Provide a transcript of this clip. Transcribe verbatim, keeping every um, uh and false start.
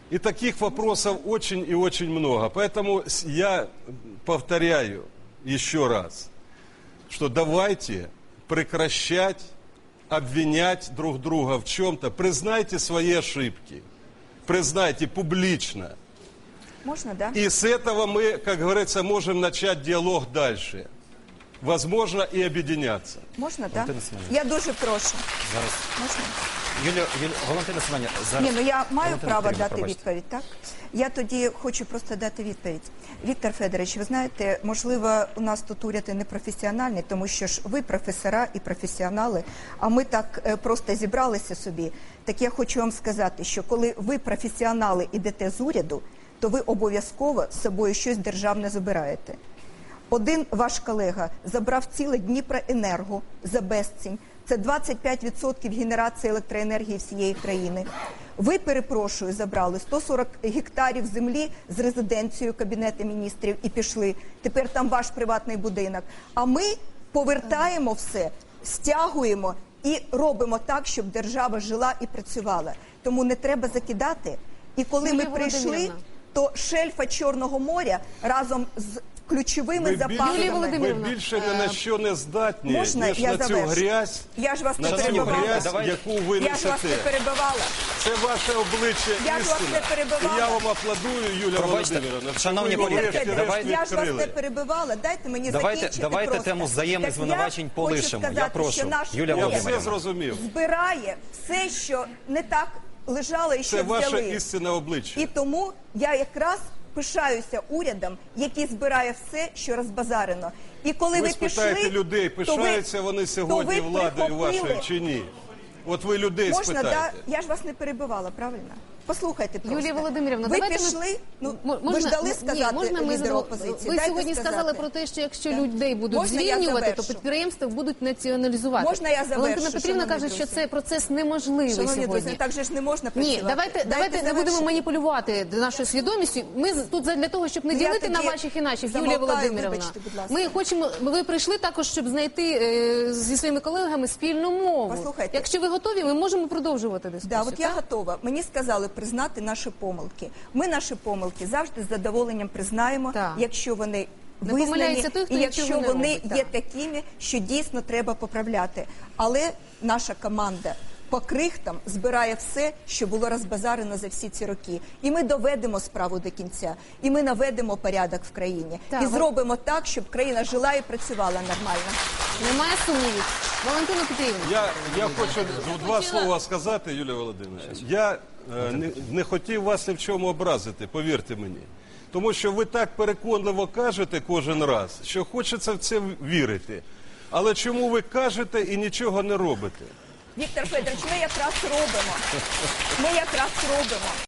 И таких вопросов очень и очень много. Поэтому я повторяю еще раз, что давайте прекращать обвинять друг друга в чем-то. Признайте свои ошибки. Признайте публично. Можно, да? И с этого мы, как говорится, можем начать диалог дальше. Возможно, и объединяться. Можна, так? Я дуже прошу. Зараз. Можна? Юлія, Юлія, Валентина Семенівна, зараз. Ні, ну я маю Валентина право Петрівна, дати пробачте. відповідь, так? Я тоді хочу просто дати відповідь. Віктор Федорович, ви знаєте, можливо, у нас тут уряд і не професіональний, тому що ж ви професора і професіонали, а ми так е, просто зібралися собі. Так я хочу вам сказати, що коли ви професіонали ідете з уряду, то ви обов'язково з собою щось державне забираєте. Один ваш колега забрав ціле Дніпроенерго за безцінь. Це двадцять п'ять відсотків генерації електроенергії всієї країни. Ви, перепрошую, забрали сто сорок гектарів землі з резиденцією Кабінету міністрів і пішли. Тепер там ваш приватний будинок. А ми повертаємо все, стягуємо і робимо так, щоб держава жила і працювала. Тому не треба закидати. І коли Юлія ми прийшли, Володимирівна. то шельфа Чорного моря разом з ключовими Ви запасами. більше, ви Володимирівна, більше ні на що не здатні, Можна ніж я на цю завершу? грязь, Я ж вас не на цю перебивала. грязь, Давай. яку ви Я ж вас не несете. перебивала. Це ваше обличчя Я ж вас істина. не перебивала. І я вам аплодую, Юлія Пробачте, Володимирівна. шановні що ви колеги, врешті-решт давайте- Я ж вас відкрили. не перебивала, дайте мені Давайте- закінчити давайте просто. тему взаємних Так я звинувачень хочу полишимо. Я сказати, прошу. що наш Юлія Я уряд Володимирівна. все зрозумів. збирає все, що не так лежало і що Це ваше взяли. істинне обличчя. І тому я якраз пишаюся урядом, який збирає все, що розбазарено. І коли ви, Ви спитаєте пішли, людей, то ви- пишаються вони сьогодні то ви владою вашою прихопили. чи ні? От ви людей Можна, да? спитаєте. Я ж вас не перебивала, правильно? Послухайте просто. Юлія Володимирівна, ви давайте ми- пішли, ну, М- ви ж дали сказати ні, можна ми лідеру зро- опозиції. Ви Дайте сьогодні сказати. сказали про те, що якщо Так. людей будуть Можна я звільнювати, то завершу? підприємства будуть націоналізувати. Можна я завершу, Валентина Петрівна шановні каже, що друзі? цей процес неможливий Шановні сьогодні. друзі, так же ж не можна працювати. Ні, давайте, Дайте давайте не завершити. будемо маніпулювати нашою свідомістю. Ми з- тут для того, щоб не Ну, я ділити на тоді ваших і наших, Юлія замовкаю, Володимирівна. вибачте, будь ласка. Ми хочемо, ви прийшли також, щоб знайти е, зі своїми колегами спільну мову. Послухайте. Якщо ви готові, ми можемо продовжувати дискусію. Да, от я так? готова. Мені сказали признати наші помилки. Ми наші помилки завжди з задоволенням признаємо, Так. якщо вони Не визнані, помиляється той, хто і нічого якщо не вони робить, є так. такими, що дійсно треба поправляти. Але наша команда по крихтам збирає все, що було розбазарено за всі ці роки. І ми доведемо справу до кінця. І ми наведемо порядок в країні. Так, і ви- зробимо так, щоб країна жила і працювала нормально. Немає сумнівів. Валентина Петрівна. Я, я хочу два слова сказати, Юлія Володимирівна. Я е, не, не хотів вас ні в чому образити, повірте мені. Тому що ви так переконливо кажете кожен раз, що хочеться в це вірити. Але чому ви кажете і нічого не робите? Віктор Федорович, ми якраз робимо. Ми якраз робимо.